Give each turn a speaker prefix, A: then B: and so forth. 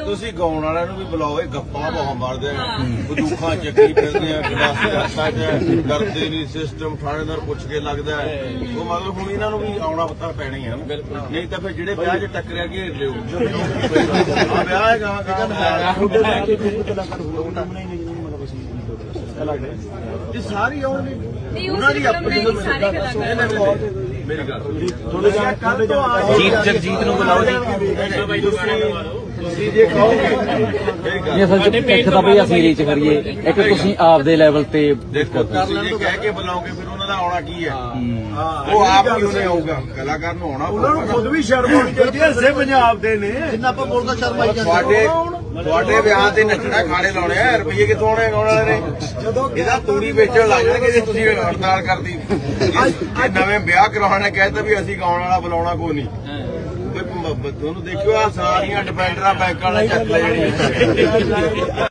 A: ਤੁਸੀਂ ਗਾਉਣ ਵਾਲਿਆਂ ਨੂੰ ਵੀ ਬੁਲਾਓ, ਇਹ ਗੱਪਾਂ ਬਹੁਤ ਮਾਰਦੇ ਆ, ਬੰਦੂਕਾਂ ਚੱਕੀ ਫਿਰਦੇ ਆ, ਗਲਾਸੀ ਹੱਥਾਂ 'ਚ, ਡਰਦੇ ਨਹੀਂ, ਸਿਸਟਮ ਥਾਣੇਦਾਰ ਪੁੱਛ ਕੇ ਲੱਗਦਾ ਉਹ ਮਤਲਬ ਹੁਣ ਇਹਨਾਂ ਨੂੰ ਵੀ ਆਉਣਾ ਪੱਤਾ ਪੈਣਾ ਹੀ ਹੈ ਨਾ, ਨਹੀਂ ਤਾਂ ਫਿਰ ਜਿਹੜੇ ਵਿਆਹ 'ਚ ਟੱਕਰਿਆ ਘੇਰ ਲਿਓ ਆ ਵਿਆਹ ਹੈ ਗਾਂ ਇਹ ਸਾਰੀ ਆਉਣਗੇ ਉਹਨਾਂ ਦੀ ਆਪਣੀ ਮੇਰੀ ਗੱਲ ਜਗਜੀਤ ਨੂੰ ਬੁਲਾਓ ਜੀ ਜੇ ਕਹੋਗੇ
B: ਅਸਲ ਚ ਇੱਕ ਤਾਂ ਬਈ ਅਸੀਂ ਰੀਚ ਕਰੀਏ, ਇੱਕ ਤੁਸੀਂ ਆਪਦੇ ਲੈਵਲ ਤੇ
A: ਦੇਖੋ ਤੁਸੀਂ ਜੇ ਕਹਿ ਕੇ ਬੁਲਾਓਗੇ ਫਿਰ ਉਹਨਾਂ ਦਾ ਆਉਣਾ ਕੀ ਹੈ, ਉਹ ਆਪ ਹੀ ਉਹਨੇ ਆਊਗਾ, ਕਲਾਕਾਰ ਨੂੰ ਆਉਣਾ, ਉਹਨਾਂ ਨੂੰ ਖੁਦ ਵੀ ਸ਼ਰਮ ਆਉਣੀ ਚਾਹੀਦੀ ਹੈ, ਹਿੱਸੇ ਪੰਜਾਬ ਦੇ ਨੇ ਜਿੰਨਾ ਆਪਾਂ ਬੋਲਦਾ ਸ਼ਰਮ ਆਈ ਜਾਂਦੀ ਤੁਹਾਡੇ ਵਿਆਹ ਤੇ ਨੱਚਣਾ ਖਾਣੇ ਲਾਉਣੇ ਆ, ਰੁਪਈਏ ਕਿੱਥੋਂ ਆਉਣੇ ਗਾਉਣ ਵਾਲੇ ਨੇ, ਇਹਦਾ ਤੂੜੀ ਵੇਚਣ ਲੱਗ ਜਾਣਗੇ ਜੇ ਤੁਸੀਂ ਹੜਤਾਲ ਕਰਦੀ, ਜੇ ਨਵੇਂ ਵਿਆਹ ਕਰਾਉਣਾ ਕਹਿੰਦਾ ਵੀ ਅਸੀਂ ਗਾਉਣ ਵਾਲਾ ਬੁਲਾਉਣਾ ਕੋਈ ਨਹੀਂ, ਤੁਹਾਨੂੰ ਦੇਖਿਓ ਆ ਸਾਰੀਆਂ ਡਿਫੈਂਡਰਾਂ ਬੈਂਕਾਂ ਵਾਲੇ ਚੱਕ ਲੈ ਜਿਹੜੀਆਂ